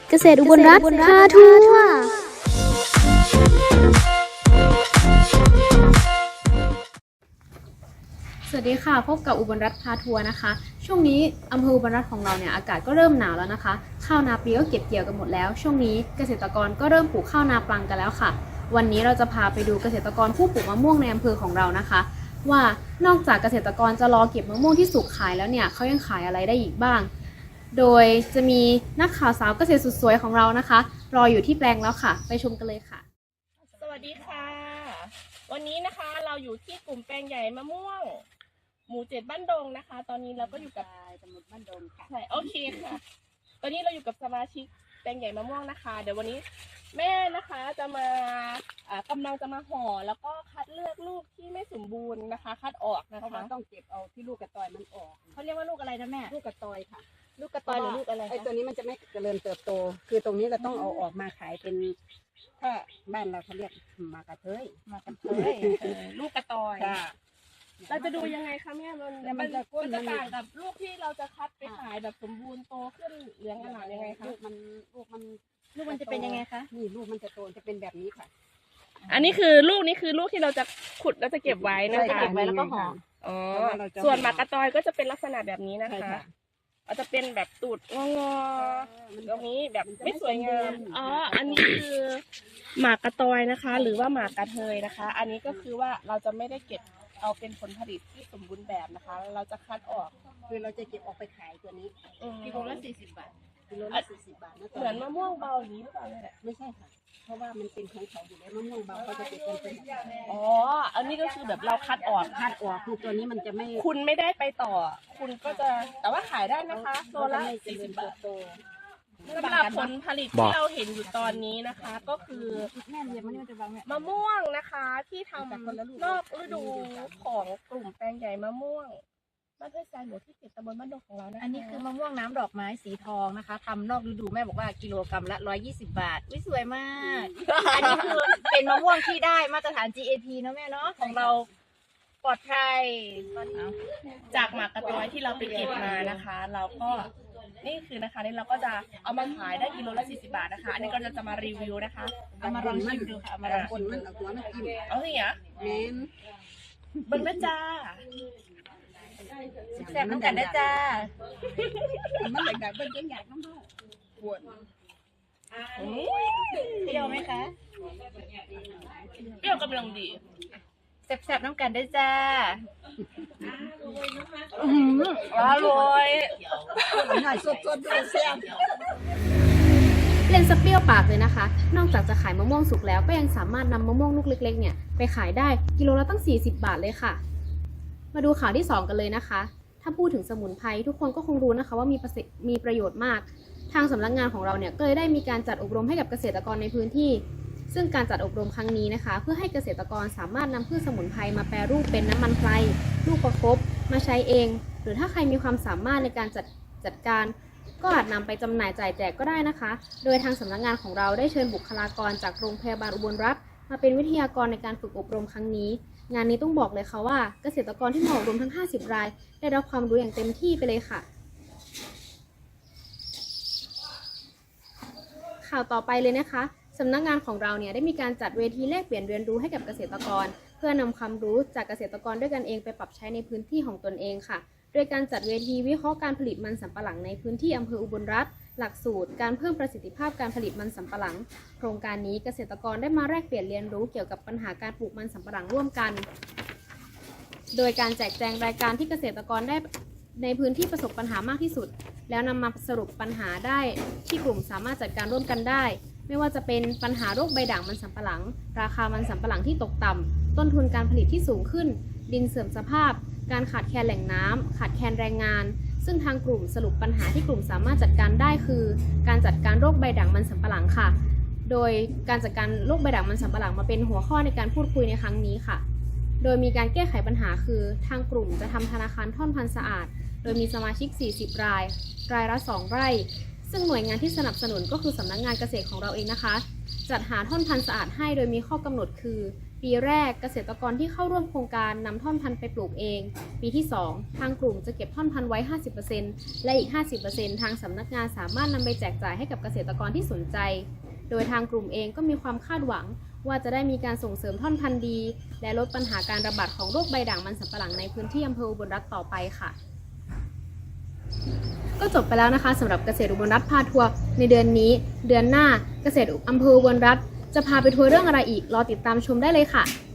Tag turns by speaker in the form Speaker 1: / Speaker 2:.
Speaker 1: เกษตรอุบลรัฐพาทัวร์สวัสดีค่ะพบกับอุบลรัฐพาทัวร์นะคะช่วงนี้อำเภออุบลรัฐของเราเนี่ยอากาศก็เริ่มหนาวแล้วนะคะข้าวนาปีก็เก็บเกี่ยวกันหมดแล้วช่วงนี้เกษตรกรก็เริ่มปลูกข้าวนาปลังกันแล้วค่ะวันนี้เราจะพาไปดูเกษตรกรผู้ปลูกมะม่วงในอำเภอของเรานะคะว่านอกจากเกษตรกรจะรอเก็บมะม่วงที่สุกขายแล้วเนี่ยเขายังขายอะไรได้อีกบ้างโดยจะมีนักข่าวสาวเกษตรสุดสวยของเรานะคะรออยู่ที่แปลงแล้วค่ะไปชมกันเลยค่ะ
Speaker 2: สวัสดีค่ะวันนี้นะคะเราอยู่ที่กลุ่มแปลงใหญ่มะม่วงหมู่7บ้านดงนะคะตอนนี้เราก็อยู่กับตำบลบ้านดงค่ะใช่โอเคค่ะตอนนี้เราอยู่กับสมาชิกแปลงใหญ่มะม่วงนะคะเดี๋ยววันนี้แม่นะคะจะมากำลังจะมาห่อแล้วก็คัดเลือกลูกที่ไม่สมบูรณ์นะคะคัดออกนะคะเพราะว่า
Speaker 3: ต้องเก็บเอาที่ลูกกระตอยมันออก
Speaker 2: เขาเรียกว่าลูกอะไรนะแม่
Speaker 3: ลูกกระตอยค่ะ
Speaker 2: ลูกกระตอยหรือลูกอะไร
Speaker 3: ไอ้ตัวนี้มันจะไม่เจริญเติบโตคือตรงนี้เราต้องเอาออกมาขายเป็นถ้าบ้านเราเขาเรียกมากระเทย
Speaker 2: ลูกกระตอยเราจะดูยังไงคะแม่มันจะต่างกับลูกที่เราจะคัดไปขายแบบสมบูรณ์โตขึ้นเหลืองอร่ามยังไงคะ
Speaker 3: ลูกมัน
Speaker 2: จะเป็นยังไงคะ
Speaker 3: นี่ลูกมันจะโตจะเป็นแบบนี้ค่ะ
Speaker 2: อันนี้คือลูกที่เราจะขุดแล้วจะเก็บไว้นะคะ
Speaker 3: เก็บไว้แล้วก็ห่อ
Speaker 2: ส่วนหมากกระตอยก็จะเป็นลักษณะแบบนี้นะคะอาจจะเป็นแบบตูดงอตรงนี้แบบไม่สวยงามอันนี้คือหมากกระตอยนะคะ หรือว่าหมากกระเทยนะคะอันนี้ก็คือว่าเราจะไม่ได้เก็บเอาเป็นผลผลิตที่สมบูรณ์แบบนะคะเราจะคัดออก
Speaker 3: คือเราจะเก็บออกไปขายตัวนี้
Speaker 2: กิโลละ40 บาท
Speaker 3: กิโลละ40 บาทนะ
Speaker 2: เหมือนมะม่วงเบาอย่างนี้หรือเปล่าเนี่ย
Speaker 3: ไม่ใช่ค่ะเพราะว่ามันเป็นของเขาอยู่แล้วมะม่วงเบาเขาจะเก็บเป็น
Speaker 2: อันนี้ก็คือแบบเราคัดออก
Speaker 3: คือตัวนี้มันจะไม่
Speaker 2: คุณไม่ได้ไปต่อคุณก็จะแต่ว่าขายได้นะคะตัวละ40 บาทสำหรับผลผลิตที่เราเห็นอยู่ตอนนี้นะคะก็คือมะม่วงนะคะที่ทำนอกฤดูของกลุ่มแปลงใหญ่มะม่วงบ้านห้วยทรายหมู่ที่7ตำบลบ้านดงของเรานะคะ
Speaker 4: อันนี้คือมะม่วงน้ำดอกไม้สีทองนะคะทำนอกฤดูแม่บอกว่ากิโลกรัมละ120 บาทสวยมากอันนี้คือเป็นมะม่วงที่ได้มาตรฐาน GAP เนาะแม่เนาะของเราปลอดภัย
Speaker 2: จากหมากกระตอยที่เราไปเก็บมานะคะ เราก็นี่คือนะคะนี่เราก็จะเอามาขายได้กิโลละ40 บาทนะคะอันนี้ก็จะมารีวิวนะคะ
Speaker 4: เอามาลองชิมดูค่ะ
Speaker 3: มาลองคนมันเอาตัวมันกิน
Speaker 2: เอาสิอ่ะ
Speaker 3: แม่น
Speaker 2: เบิ้งนะจ้า
Speaker 4: แซ่บน้ำกันได้จ้า
Speaker 3: มันอยากเป็นจังอยากน้ำมันปวด
Speaker 4: เปรี้ยวไหมคะ
Speaker 2: เปรี้ยวกำลังดี
Speaker 4: แซ่บน้ำกันได้จ้าอร่อย
Speaker 3: สดด้วยแซ่บ
Speaker 1: เล่นสเปรี้ยวปากเลยนะคะนอกจากจะขายมะม่วงสุกแล้วก็ยังสามารถนำมะม่วงลูกเล็กๆเนี่ยไปขายได้กิโลละตั้ง40 บาทเลยค่ะมาดูข่าวที่2กันเลยนะคะถ้าพูดถึงสมุนไพรทุกคนก็คงรู้นะคะว่ามีประโยชน์มากทางสำนักงานของเราเนี่ยก็เลยได้มีการจัดอบรมให้กับเกษตรกรในพื้นที่ซึ่งการจัดอบรมครั้งนี้นะคะเพื่อให้เกษตรกรสามารถนำพืชสมุนไพรมาแปรรูปเป็นน้ำมันไพรลูกประคบมาใช้เองหรือถ้าใครมีความสามารถในการจัดการก็อาจนำไปจำหน่ายจ่ายแจกก็ได้นะคะโดยทางสำนักงานของเราได้เชิญบุคลากรจากโรงพยาบาลอุบลรัฐมาเป็นวิทยากรในการฝึกอบรมครั้งนี้งานนี้ต้องบอกเลยค่ะว่าเกษตรกรที่มาอบรมทั้ง50 รายได้รับความรู้อย่างเต็มที่ไปเลยค่ะข่าวต่อไปเลยนะคะสำนักงานของเราเนี่ยได้มีการจัดเวทีแลกเปลี่ยนเรียนรู้ให้กับเกษตรกรเพื่อนำความรู้จากเกษตรกรด้วยกันเองไปปรับใช้ในพื้นที่ของตนเองค่ะโดยการจัดเวทีวิเคราะห์การผลิตมันสำปะหลังในพื้นที่อำเภออุบลรัฐหลักสูตรการเพิ่มประสิทธิภาพการผลิตมันสำปะหลังโครงการนี้เกษตรกรได้มาแลกเปลี่ยนเรียนรู้เกี่ยวกับปัญหาการปลูกมันสำปะหลังร่วมกันโดยการแจกแจงรายการที่เกษตรกรได้ในพื้นที่ประสบปัญหามากที่สุดแล้วนำมาสรุปปัญหาได้ที่กลุ่มสามารถจัดการร่วมกันได้ไม่ว่าจะเป็นปัญหาโรคใบด่างมันสำปะหลังราคามันสำปะหลังที่ตกต่ำต้นทุนการผลิตที่สูงขึ้นดินเสื่อมสภาพการขาดแคลนแหล่งน้ำขาดแคลนแรงงานซึ่งทางกลุ่มสรุปปัญหาที่กลุ่มสามารถจัดการได้คือการจัดการโรคใบด่างมันสำปะหลังค่ะโดยการจัดการโรคใบด่างมันสำปะหลังมาเป็นหัวข้อในการพูดคุยในครั้งนี้ค่ะโดยมีการแก้ไขปัญหาคือทางกลุ่มจะทำธนาคารท่อนพันธุ์สะอาดโดยมีสมาชิก40 รายละ2 ไร่ซึ่งหน่วยงานที่สนับสนุนก็คือสำนักงานเกษตรของเราเองนะคะจัดหาท่อนพันธุ์สะอาดให้โดยมีข้อกำหนดคือปีแรกเกษตรกรที่เข้าร่วมโครงการนำท่อนพันธุ์ไปปลูกเอง ปีที่ 2 ทางกลุ่มจะเก็บท่อนพันธุ์ไว้ 50% และอีก 50% ทางสำนักงานสามารถนำไปแจกจ่ายให้กับเกษตรกรที่สนใจ โดยทางกลุ่มเองก็มีความคาดหวังว่าจะได้มีการส่งเสริมท่อนพันธุ์ดี และลดปัญหาการระบาดของโรคใบด่างมันสำปะหลังในพื้นที่อำเภออุบลรัตน์ต่อไปค่ะ ก็จบไปแล้วนะคะสำหรับเกษตรอุบลรัตน์พาทัวร์ในเดือนนี้ เดือนหน้าเกษตรอำเภออุบลรัตน์จะพาไปทัวร์เรื่องอะไรอีกรอติดตามชมได้เลยค่ะ